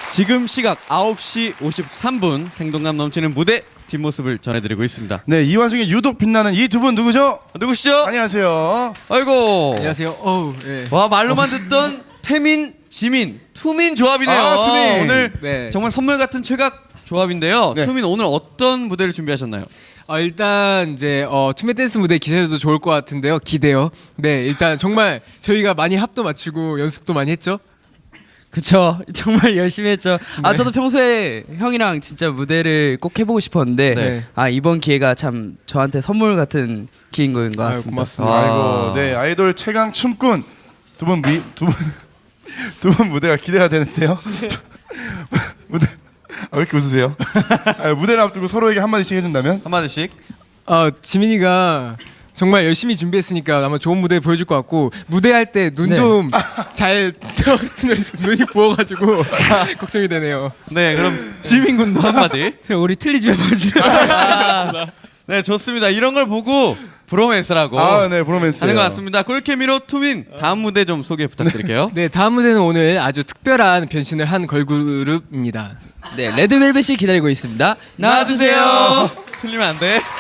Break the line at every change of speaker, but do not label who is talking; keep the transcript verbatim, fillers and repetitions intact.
지금 시각 아홉 시 오십삼 분 생동감 넘치는 무대 뒷모습을 전해드리고 있습니다.
네, 이 와중에 유독 빛나는 이 두 분 누구죠?
누구시죠?
안녕하세요.
아이고.
안녕하세요. 어우, 예.
와, 말로만 듣던 태민, 지민, 투민 조합이네요.
아, 투민.
오늘
네.
정말 선물 같은 최각 조합인데요.
네.
투민 오늘 어떤 무대를 준비하셨나요?
아, 일단 이제 어, 투맨 댄스 무대 기대해도 좋을 것 같은데요. 기대요. 네, 일단 정말 저희가 많이 합도 맞추고 연습도 많이 했죠.
그쵸, 정말 열심히 했죠. 아,
네.
저도 평소에 형이랑 진짜 무대를 꼭 해보고 싶었는데
네.
아, 이번 기회가 참 저한테 선물 같은 기회인 것 같습니다.
아유, 고맙습니다.
아이고, 네, 아이돌 최강 춤꾼 두 분 미, 두 분, 두 분 무대가 기대가 되는데요. 무대, 아, 왜 이렇게 웃으세요? 아, 무대를 앞두고 서로에게 한마디씩 해준다면?
한마디씩.
어, 지민이가 정말 열심히 준비했으니까 아마 좋은 무대 보여줄 것 같고 무대할 때 눈 좀 잘 뜨었으면 눈이 부어가지고 걱정이 되네요.
네, 그럼 지민 군도 한마디.
우리 틀리지 말아주세요.
아, 네, 좋습니다. 이런 걸 보고 브로맨스라고
아, 네, 브로맨스.
하는 것 같습니다. 꿀케미로 투민 다음 무대 좀 소개 부탁드릴게요.
네, 다음 무대는 오늘 아주 특별한 변신을 한 걸그룹입니다.
네, 레드벨벳이 기다리고 있습니다.
나와주세요. 틀리면 안 돼.